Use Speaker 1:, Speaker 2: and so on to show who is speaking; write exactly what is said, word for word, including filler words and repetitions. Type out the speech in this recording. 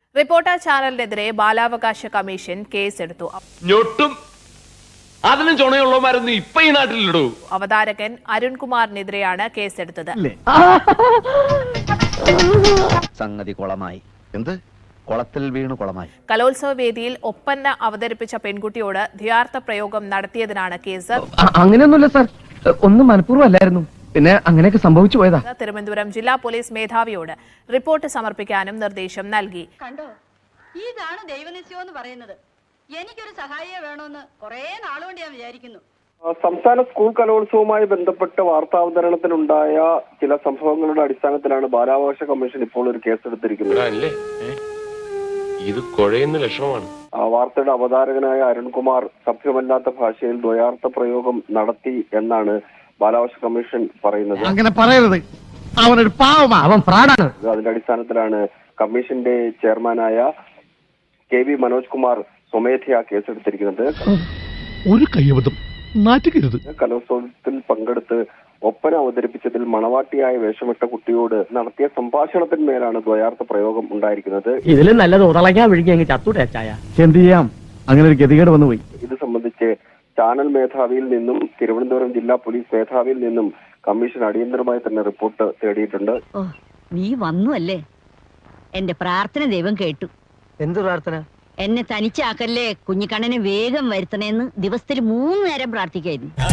Speaker 1: Reporter ചാനലിനെതിരെ ബാലാവകാശ commission കേസെടുത്തു.
Speaker 2: ഞൊട്ടും അതിനും ചുണയുള്ളവന്മാരൊന്നും ഇപ്പൊ ഈ നാട്ടിലിടൂ.
Speaker 1: അവതാരകൻ അരുൺകുമാറിനെതിരെയാണ് കേസെടുത്തത്.
Speaker 3: സംഗതി കുളമായി. എന്ത് കുളത്തിൽ വീണു കുളമായി.
Speaker 1: കലോത്സവ വേദിയിൽ ഒപ്പന അവതരിപ്പിച്ച പെൺകുട്ടിയോട് ദ്വയാർത്ഥ പ്രയോഗം നടത്തിയതിനാണ് കേസ്.
Speaker 4: അങ്ങനെയൊന്നുമില്ല സാർ, ഒന്നും മനഃപൂർവ്വം അല്ലായിരുന്നു. പിന്നെ അങ്ങനെയൊക്കെ സംഭവിച്ചു പോയതാ.
Speaker 1: തിരുവനന്തപുരം ജില്ലാ പോലീസ് മേധാവിയോട് റിപ്പോർട്ട് സമർപ്പിക്കാനും നിർദ്ദേശം നൽകി.
Speaker 5: കണ്ടോ, ഇതാണ് ദൈവനിശ്ചയം എന്ന് പറയുന്നത്. എനിക്കൊരു സഹായിയെ വേണമെന്ന് കുറെ നാളുകൊണ്ട് ഞാൻ വിചാരിക്കുന്നു.
Speaker 6: സംസ്ഥാന സ്കൂൾ കലോത്സവവുമായി ബന്ധപ്പെട്ട് വാർത്താവതരണത്തിനുണ്ടായ ചില സംഭവങ്ങളുടെ അടിസ്ഥാനത്തിലാണ് ബാലാവകാശ കമ്മീഷൻ ഇപ്പോൾ ഒരു കേസെടുത്തിരിക്കുന്നത്.
Speaker 2: ഇത് കുഴയുന്ന ലക്ഷണമാണ്.
Speaker 6: വാർത്തയുടെ അവതാരകനായ അരുൺകുമാർ സഭ്യമല്ലാത്ത ഭാഷയിൽ ദ്വയാർത്ഥ പ്രയോഗം നടത്തി എന്നാണ് ബാലാവകാശ കമ്മീഷൻ പറയുന്നത്.
Speaker 4: അങ്ങനെ പറയരുത്, അവനൊരു പാവമാ, അവൻ ഫ്രോഡാണ്.
Speaker 6: അതിന്റെ അടിസ്ഥാനത്തിലാണ് കമ്മീഷന്റെ ചെയർമാനായ കെ വി മനോജ് കുമാർ സ്വമേധയാ കേസെടുത്തിരിക്കുന്നത്.
Speaker 7: ഒരു കയ്യബദ്ധം നാറ്റുകരുത്.
Speaker 6: കലോത്സവത്തിൽ പങ്കെടുത്ത് ഒപ്പന അവതരിപ്പിച്ചതിൽ മണവാട്ടിയായ വേഷമിട്ട കുട്ടിയോട് നടത്തിയ സംഭാഷണത്തിന്മേലാണ് ദ്വയാർത്ഥ പ്രയോഗം ഉണ്ടായിരിക്കുന്നത്.
Speaker 4: ഇതിലും നല്ലത് ഉടളങ്ങാ വിഴുങ്ങി അങ്ങ് ചത്തൂടേച്ചായ. എന്ത് ചെയ്യാം, അങ്ങനെ ഒരു ഗതികേട് വന്നുപോയി.
Speaker 6: ഇത് സംബന്ധിച്ച് ചാനൽ മേധാവിയിൽ നിന്നും തിരുവനന്തപുരം ജില്ലാ പോലീസ് മേധാവിയിൽ നിന്നും കമ്മീഷൻ അടിയന്തരമായി തന്നെ റിപ്പോർട്ട് തേടിയിട്ടുണ്ട്.
Speaker 5: ഓ, നീ വന്നു അല്ലേ? എന്റെ പ്രാർത്ഥന ദൈവം കേട്ടു.
Speaker 4: എന്ത് പ്രാർത്ഥന?
Speaker 5: എന്നെ തനിച്ചാക്കല്ലേ, കുഞ്ഞിക്കണ്ണനെ വേഗം വരുത്തണേന്ന് ദിവസത്തിൽ മൂന്ന് നേരം പ്രാർത്ഥിക്കായിരുന്നു.